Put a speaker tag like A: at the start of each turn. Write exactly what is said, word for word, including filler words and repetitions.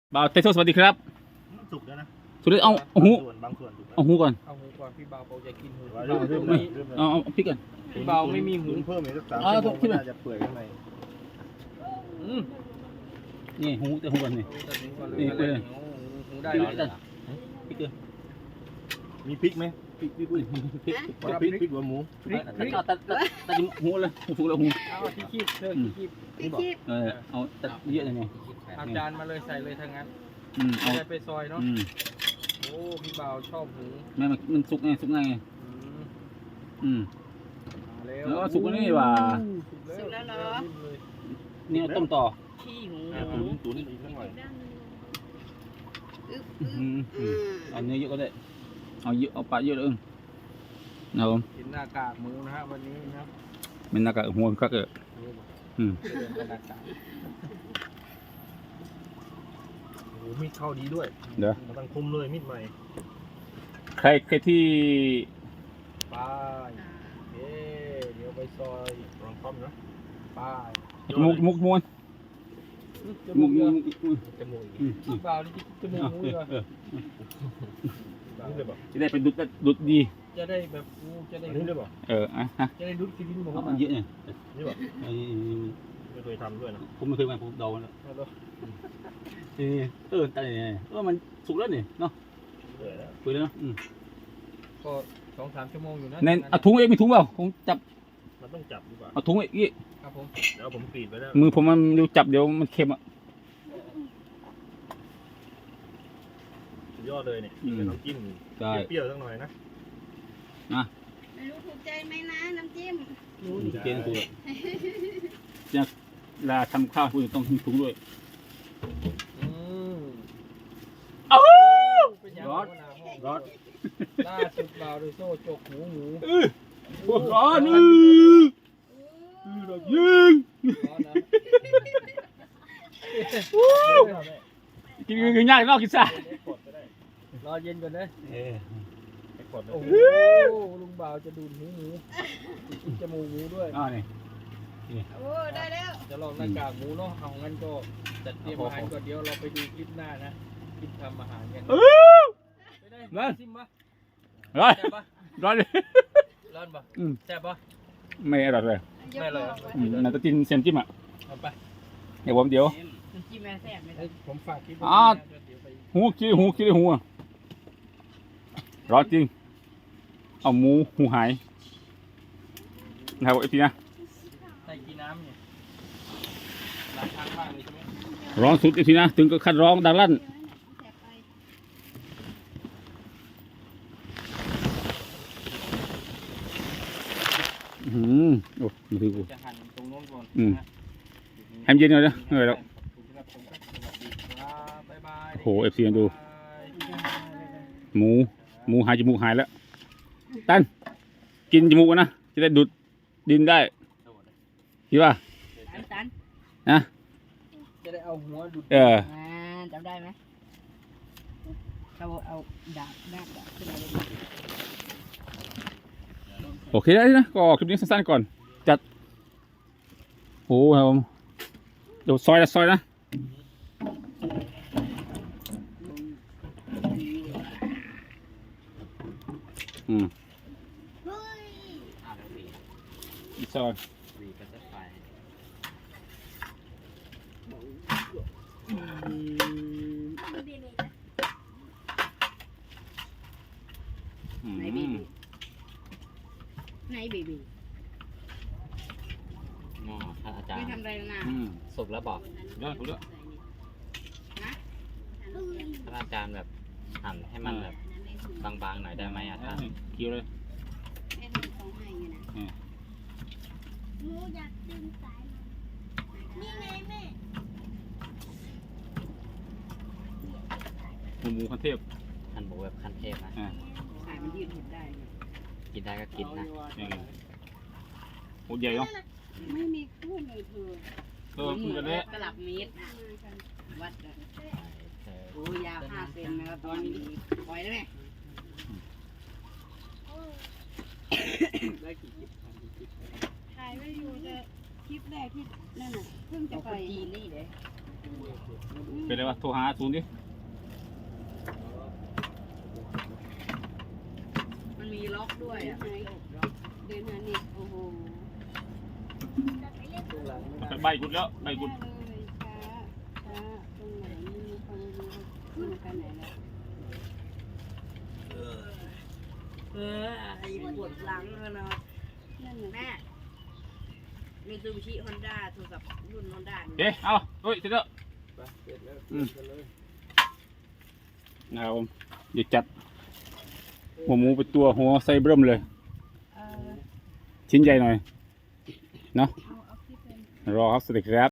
A: บ่าวเตโซสวัสดีครับ
B: สุกแล้วนะ
A: สุดเลยเอาเอาหู
B: บางส่วน
A: เอาหูก่อน
C: เอาหูก่อนพี่เบาบอกจะกินหู
B: เริ่มเริ่มเริ่ม
A: เอาเอาพริกก่อน
C: พี่เบาไม่มีหู
B: เพิ่มอีกสักสามชั่วโมงน่าจะเปื่อยข้างใน
A: นี่หูแต่หูก่อนนี่
C: นี่เลยหูได้แล้ว
A: พริกเกลือ
B: มีพริกไหมพริกพริกพริกพริกพริกพริกหัวหมู
A: พริกพริกตัดตัดตัดหูเลยหูแล้วหู
C: เอาที่คีบเธอที่คีบ
D: ที่คีบ
A: เออเอาตัดเยอะเลยไง
C: เอาจานมาเลยใส่เลยทั้งนั้น
A: อืมเอา
C: ไปซอยเนาะโอ้พี่เบาชอบหู
A: แม่มันมันสุกไงสุกไงอืมแล้วสุกนี่ว่า
D: สุกแล้วเหรอ
A: นี่ต้มต่อ
D: ขี้หู
B: ตุ๋นตุ๋นอีกสักหน่อย
A: เอาเนื้อเยอะก็ได้เอาเยอะเอาปลาเยอะเลยเอา
C: กินหน้ากากหมูนะฮะวันนี้นะ
A: เป็นหน้ากากหัวก็เกิดอืม
B: โอ้มีดเข้าดีด้วย
A: เดี๋ยว
B: มันต้องคุมเลยมีดใหม่
A: ใครใครที่
C: ปลาเอ๊เดี๋ยวไปซอย
B: ลองต้มนะ
C: ปลา
A: จมูกจมูกมวน
C: จมูก
B: จมูก
C: พี่เบานี่จมูกมูเลย
A: จะได้เป็นดุดดุดดี
C: จะได้แบบงูจะได้
B: นี่ได้ป่ะ
A: เอออ่ะฮะ
C: จะได้ดุดกินหมู
A: มันเยอะเนี่ย
B: นี่ป่ะไม่เคยทำด้วยนะ
A: ผมไม่เคยมาผมเดาแล้วนี่เออแต่เนี่ยเออมันสุกแล้วนี่เนาะ
B: เปื่อยแล้ว
A: เปื่อยแล้วเนาะ
C: ก็สองสามชั่วโมงอยู่นะ
A: เน้นเอาถุงเองมีถุงเปล่าผมจับ
B: มันต้องจับดีกว่า
A: เอาถุงเอง
C: ครับผม
B: เดี๋ยวผมกรีดไปแล้ว
A: มือผมมันดูจับเดี๋ยวมันเค็มอ่ะ
B: สุดยอดเลยเนี่ยเป็นน้ำจิ้มเปรี้ยวสักหน่อยนะ
A: นะ
D: ไม่รู้ถูกใจไหมนะน้ำจิ้ม
A: รู้เกณฑ์ตัวจะลาทำข้าวคุณต้องถุงด้วย
C: อ้าว
A: ร้อนร้อน
C: ล่าสุดเบาโดยโซ่จกหูหมู
A: ร้อนอือยิงกินกินยากนอกกินซะ
C: รอเย็นก่อนเลยโอ้โหลุงบ่าวจะดูดหูหมูกินจมูกหมูด้วย
A: อ๋อนี่
D: โอ้ได้แล้ว
C: จะลองหน้ากากหมูเนาะเอางั้นก็จัดเตรียมอาหารก่อนเดี๋ยวเราไปดูคลิปหน้านะคลิปทำอาหารกันไปได้ซิมปะ
A: ร้อนร้อนเลย
C: ร้อนปะแซ่บปะ
A: ไม่อร่อยเลย
C: ไม่เลย
A: น่าจะกินเซนจิ้มอ่ะ
C: เอาไป
A: เดี๋ยวผมเดี๋ยว
D: จิ้มแม่แซ่บไหม
C: ผมฝากคลิป
A: อ่าหูคิดหูคิดหูร้อนจริงเอาหมูหูหายนะครับไอพี่นะ
C: ใส่กี่น้ำเนี่ยล้างทางบ้างเลยใช่ไหม
A: ร้อนสุดไอพี่นะถึงก็คัดร้องดังลั่นอืมโอ้มาถือกู
C: จะหั่นตรงโน้นก่อน
A: อืมให้เย็นหน่อยนะเหนื่อยแล้วโอ้โหเอฟซีดูหมูหมูหายจมูกหายแล้วตันกินจมูกนะจะได้ดูดดินได้คิดว่านะ
C: จะได้เอาหัวดูด
A: เออ
D: จำได้ไหมเราเอาดาบดาบดาบขึ้นมาเลย
A: โอเคได้นะก็คลิปนี้สั้นๆก่อนจัดโอ้ครับผมเดี๋ยวซอยนะซอยนะอืมอีซอย
D: ไหนบีบีไหนบีบี
E: อ๋อท่านอาจารย์
D: ไม่ทำอะไรนะ
E: สุกแล้วบอก
A: เยอะถูกแล้ว
E: ท่านอาจารย์แบบหั่นให้มันแบบบางๆหน่อยได้ไหมอ่ะท่าน
A: เคี้ยวเลย
D: แม่เขาให้ไงนะหนูอยากดึงสายนี่ไงแม่
A: หมูขั้นเทพ
E: หั่นหมูแบบขั้นเทพนะ
D: สายมันยืดหยุ่นได้
E: กินได้ก็กินนะ
A: โอ้ใหญ่เนาะ
D: ไม่มีคู่เลยเธอ
A: เออมันจะได้
D: กระหลับเมตรวัดโอ้ยาวห้าเซนนะครับตอนนี้ปล่อยได้ไหม
C: ได้กี่คลิป
D: ถ่ายไว้อยู่แต่คลิปแรกที่นั่นน่ะเพิ่งจะไปจีนนี่เลย
A: เป็นไรวะโทรหาศูนย์ดิ
F: มันมีล็อกด้วยอ่ะ
D: เดินหาเน็ตโอ้โห
C: ตัวหลังไม่
A: ไป
C: ได้
A: ใบกุดแล้วใบกุด
D: เลยช้าช้าตรงไหนไม่มีความรู้ขึ้นกันไหนแล้ว
F: เออไอ้ปวดหลังเลยนะ
D: นั่นน่ะ
F: แม่มีซูบิชิฮอนด้าโทรศัพท์รุ่นฮอนด้า
A: เอ๊ะเอาเฮ้ยเสร็จแล้ว
C: ไปเสร็จแล้วเสร็จกันเลย
A: นะครับผมเดี๋ยวจัดหัวหมูเป็นตัวหัวไส้เบิ่มเลย
D: เออ
A: ชิ้นใหญ่หน่อยเนาะ
D: เอาเอาคลิปเป็น
A: รอครับสวัสดีครับ